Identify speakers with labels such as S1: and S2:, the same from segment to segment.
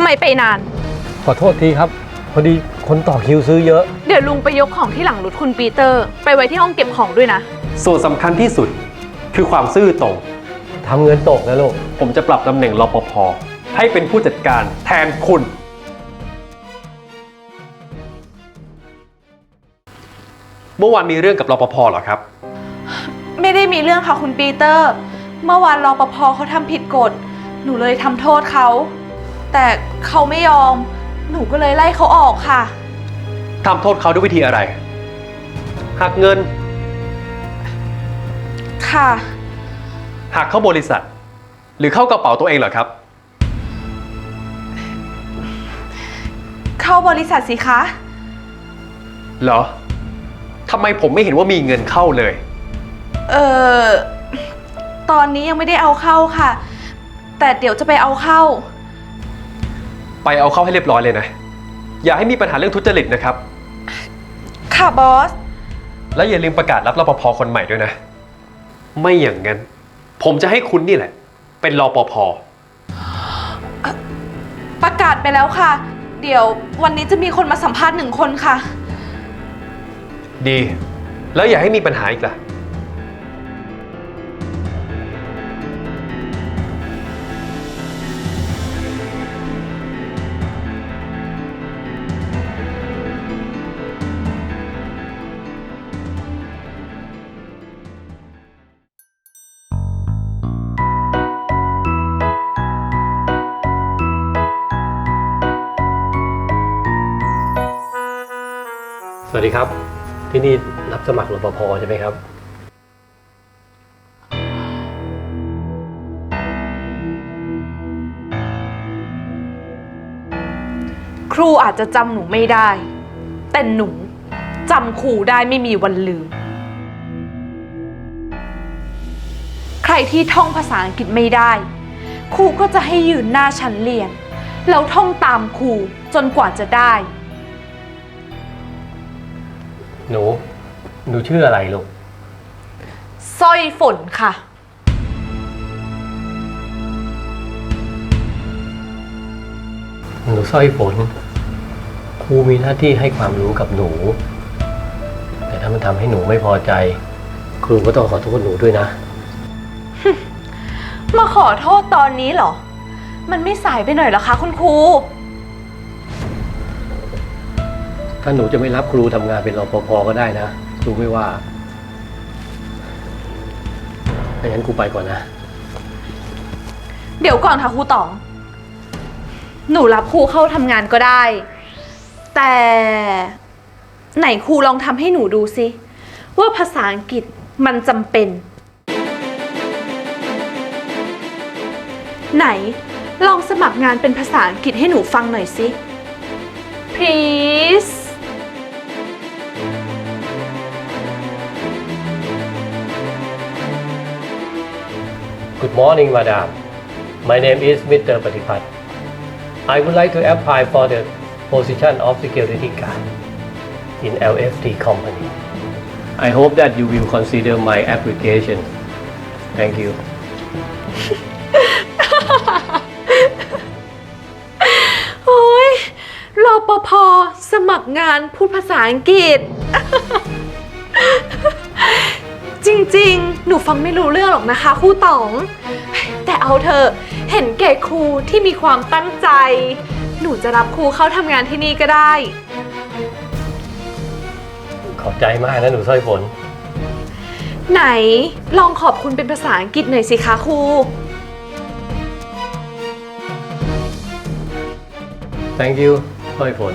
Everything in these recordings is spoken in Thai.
S1: ไมไปนาน
S2: ขอโทษทีครับพอดีคนต่อคิวซื้อเยอะ
S1: เดี๋ยวลุงไปยกของที่หลังรถคุณปีเตอร์ไปไว้ที่ห้องเก็บของด้วยนะ
S3: ส่วนสำคัญที่สุดคือความซื่อตรง
S2: ทำเงินตกนะลูก
S3: ผมจะปรับตำแหน่งรปภให้เป็นผู้จัดการแทนคุณเมื่อวานมีเรื่องกับรปภเหรอครับ
S1: ไม่ได้มีเรื่องค่ะคุณปีเตอร์เมื่อวานรปภเขาทำผิดกฎหนูเลยทำโทษเขาแต่เขาไม่ยอมหนูก็เลยไล่เขาออกค่ะ
S3: ทำโทษเขาด้วยวิธีอะไรหักเงิน
S1: ค่ะ
S3: หักเข้าบริษัทหรือเข้ากระเป๋าตัวเองเหรอครับ
S1: เข้าบริษัทสิคะ
S3: เหรอทำไมผมไม่เห็นว่ามีเงินเข้าเลย
S1: ตอนนี้ยังไม่ได้เอาเข้าค่ะแต่เดี๋ยวจะไปเอาเข้า
S3: ไปเอาเข้าให้เรียบร้อยเลยนะอย่าให้มีปัญหาเรื่องทุจริตนะครับ
S1: ค่ะบอส
S3: แล้วอย่าลืมประกาศรับรปภคนใหม่ด้วยนะไม่อย่างนั้นผมจะให้คุณนี่แหละเป็นรปภ
S1: ประกาศไปแล้วค่ะเดี๋ยววันนี้จะมีคนมาสัมภาษณ์1 คนค่ะ
S3: ดีแล้วอย่าให้มีปัญหาอีกล่ะ
S2: สวัสดีครับที่นี่รับสมัครรปภใช่ไหมครับ
S1: ครูอาจจะจำหนูไม่ได้แต่หนูจำครูได้ไม่มีวันลืมใครที่ท่องภาษาอังกฤษไม่ได้ครูก็จะให้ยืนหน้าชั้นเรียนแล้วท่องตามครูจนกว่าจะได้
S2: หนูชื่ออะไรลูก
S1: สร้อยฝนค่ะ
S2: หนูสร้อยฝนครูมีหน้าที่ให้ความรู้กับหนูแต่ถ้ามันทำให้หนูไม่พอใจครูก็ต้องขอโทษหนูด้วยนะ
S1: มาขอโทษตอนนี้เหรอมันไม่สายไปหน่อยเหรอคะคุณครู
S2: ถ้าหนูจะไม่รับครูทำงานเป็นรปภก็ได้นะครูไม่ว่าไม่งั้นครูไปก่อนนะ
S1: เดี๋ยวก่อนค่ะครูต๋องหนูรับครูเข้าทำงานก็ได้แต่ไหนครูลองทำให้หนูดูสิว่าภาษาอังกฤษมันจำเป็นไหนลองสมัครงานเป็นภาษาอังกฤษให้หนูฟังหน่อยสิ please
S2: Good morning, Madam. My name is Mr. Patipat. I would like to apply for the position of security guard in LFT company. I hope that you will consider my application. Thank you.
S1: โอ้ยรปภ.สมัครงานพูดภาษาอังกฤษ จริงๆหนูฟังไม่รู้เรื่องหรอกนะคะครูต๋องแต่เอาเถอะเห็นแก่ครูที่มีความตั้งใจหนูจะรับครูเข้าทำงานที่นี่ก็ได้
S2: ขอบใจมากนะหนูสร้อยฝน
S1: ไหนลองขอบคุณเป็นภาษาอังกฤษหน่อยสิคะครู
S2: Thank you สร้อยฝน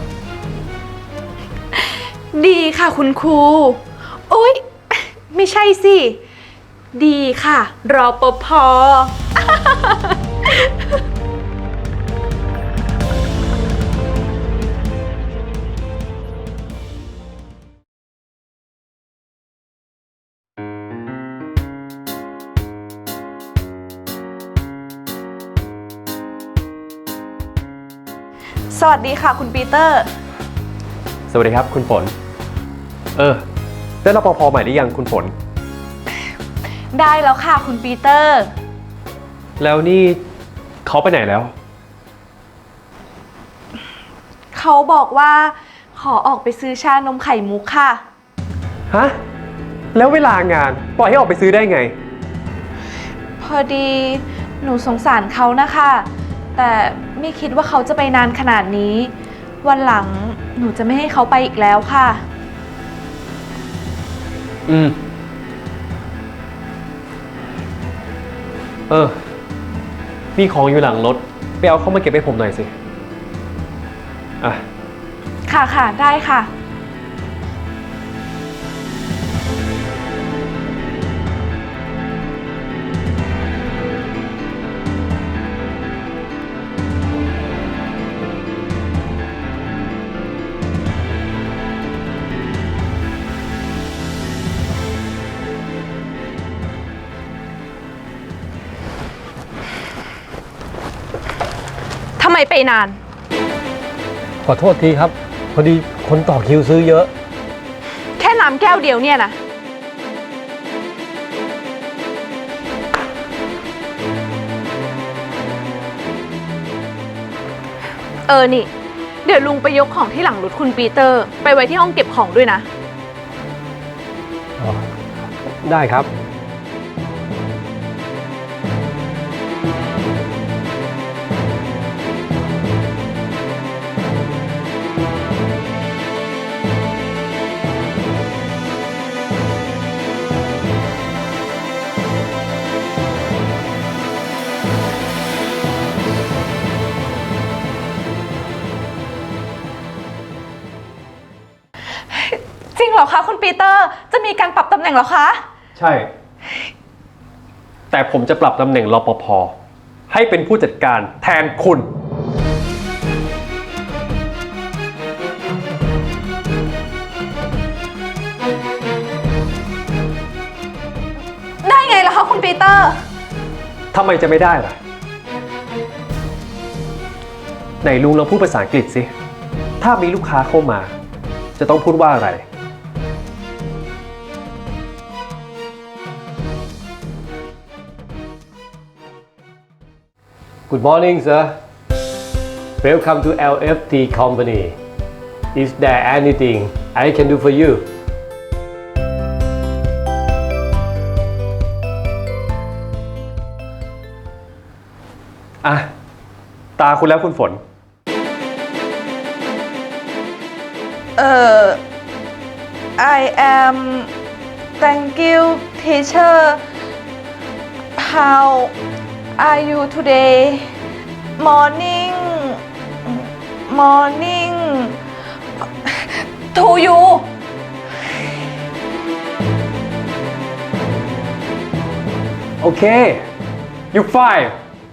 S1: ดีค่ะคุณครูโอ๊ยไม่ใช่สิดีค่ะรปภ.สวัสดีค่ะคุณปีเตอร์
S3: สวัสดีครับคุณฝนได้รปภใหม่หรือยังคุณฝน
S1: ได้แล้วค่ะคุณปีเตอร์
S3: แล้วนี่เขาไปไหนแล้ว
S1: เขาบอกว่าขอออกไปซื้อชานมไข่มุกค่ะ
S3: ฮะ แล้วเวลางานปล่อยให้ออกไปซื้อได้ไง
S1: พอดีหนูสงสารเขานะคะ แต่ไม่คิดว่าเขาจะไปนานขนาดนี้ วันหลังหนูจะไม่ให้เขาไปอีกแล้วค่ะ
S3: อืม มีของอยู่หลังรถ ไปเอาเข้ามาเก็บให้ผมหน่อยสิ อ่ะ
S1: ค่ะค่ะได้ค่ะ ทำไมไปนาน
S2: ขอโทษทีครับ พอดีคนต่อคิวซื้อเยอะ
S1: แค่น้ำแก้วเดียวเนี่ยนะ นี่ เดี๋ยวลุงไปยกของที่หลังรถคุณปีเตอร์ ไปไว้ที่ห้องเก็บของด้วยนะ
S2: ได้ครับ
S1: จริงเหรอคะคุณปีเตอร์ จะมีการปรับตำแหน่งเหรอคะ
S3: ใช่ แต่ผมจะปรับตำแหน่งรปภให้เป็นผู้จัดการแทนคุณ
S1: ได้ไงล่ะคะคุณปีเตอร์
S3: ทำไมจะไม่ได้ล่ะ ไหนลุงลองพูดภาษาอังกฤษสิ ถ้ามีลูกค้าเข้ามา จะต้องพูดว่าอะไร
S2: Good morning sir Welcome to LFT company Is there anything I can do for you
S3: อ่ะ ตาคุณแล้วคุณฝน
S1: I am thank you teacher how are you today morning to you
S3: โอเค you fine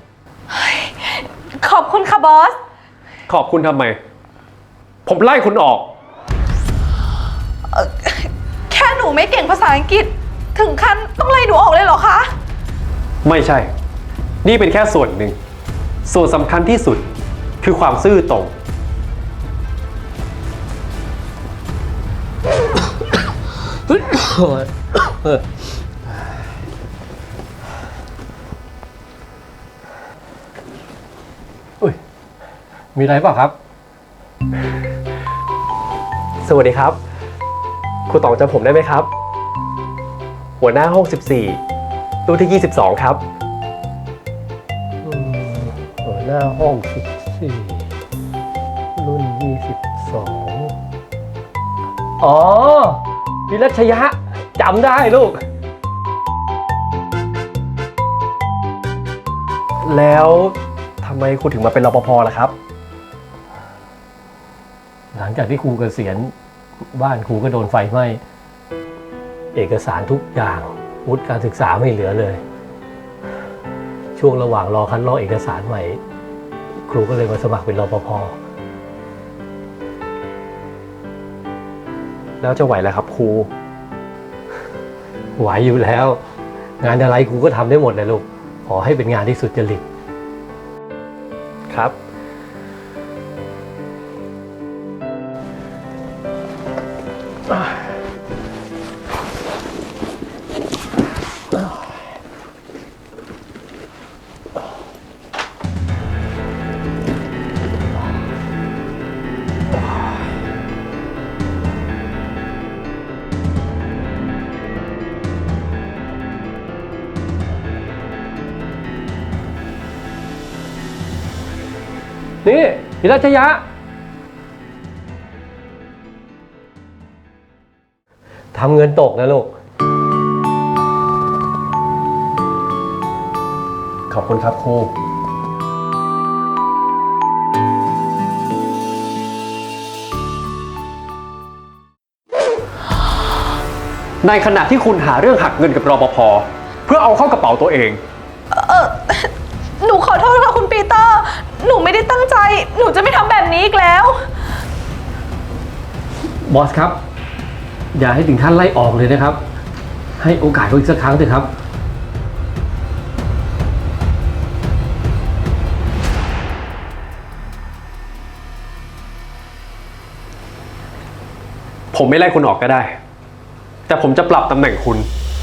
S1: ขอบคุณค่ะบอส
S3: ขอบคุณทำไม ผมไล่คุณออก
S1: แค่หนูไม่เก่งภาษาอังกฤษ ถึงขั้นต้องไล่หนูออกเลยเหรอคะ
S3: ไม่ใช่ นี่เป็นแค่ส่วนหนึ่ง ส่วนสำคัญที่สุดคือความซื่อตรง
S2: อุ้ย มีอะไรเปล่าครับ
S3: สวัสดีครับ ครูต๋องจำผมได้ไหมครับ หัวหน้าห้อง 14 ตู้ที่ 22 ครับ
S2: หัวหน้าห้อง14รุ่น 22 อ๋อพิรัชยะจำได้ลูก
S3: แล้วทำไมครูถึงมาเป็นรปภล่ะครับ
S2: หลังจากที่ครูเกษียณบ้านครูก็โดนไฟไหม้เอกสารทุกอย่างวุฒิการศึกษาไม่เหลือเลย ช่วงระหว่างรอคัดลอกเอกสารใหม่ ครูก็เลยมาสมัครเป็นรปภ
S3: แล้วจะไหวแล้วครับครู
S2: ไหวอยู่แล้ว งานอะไรครูก็ทำได้หมดเลยลูก ขอให้เป็นงานที่สุจริต
S3: ครับ
S2: นี่พิรัชยะ ทำเงินตกนะลูก
S3: ขอบคุณครับครู ในขณะที่คุณหาเรื่องหักเงินกับรปภเพื่อเอาเข้ากระเป๋าตัวเอง
S1: หนูขอโทษค่ะคุณปีเตอร์ หนูไม่ได้ตั้งใจ หนูจะไม่ทำแบบนี้อีกแล้ว
S2: บอสครับ อย่าให้ถึงขั้นไล่ออกเลยนะครับ ให้โอกาสเขาอีกสักครั้งเถอะครับ
S3: ผมไม่ไล่คุณออกก็ได้ แต่ผมจะปรับตำแหน่งคุณ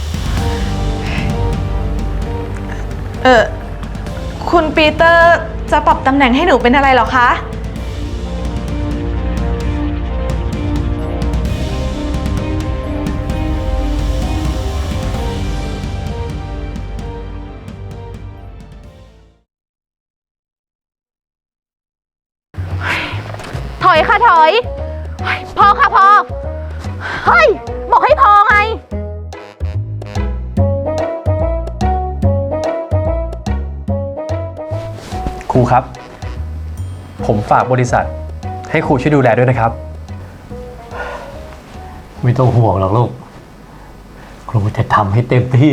S1: คุณปีเตอร์จะปรับตำแหน่งให้หนูเป็นอะไรเหรอคะ ถอยค่ะถอยพอค่ะพอ เฮ้ย บอกให้พอไง
S3: ครูครับ ผมฝากบริษัท ให้ครูช่วยดูแลด้วยนะครับ
S2: ไม่ต้องห่วงหรอกลูก ครูจะทำให้เต็มที่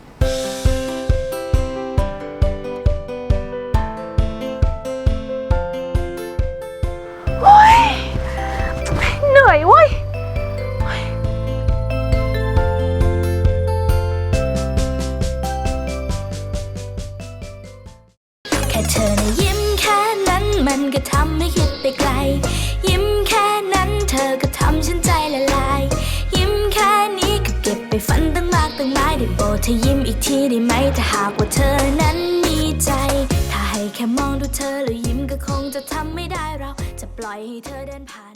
S1: เหนื่อยเว้ย
S4: แค่เธอนะยิ้มแค่นั้นมันก็ทำให้คิดไปไกล ยิ้มแค่นั้นเธอก็ทำฉันใจละลาย ยิ้มแค่นี้ก็เก็บไปฝันตั้งมากตั้งหลายได้โปรดเธอยิ้มอีกทีได้ไหมถ้าหากว่าเธอนั้นมีใจ ถ้าให้แค่มองดูเธอแล้วยิ้มก็คงจะทำไม่ได้เราจะปล่อยให้เธอเดินผ่าน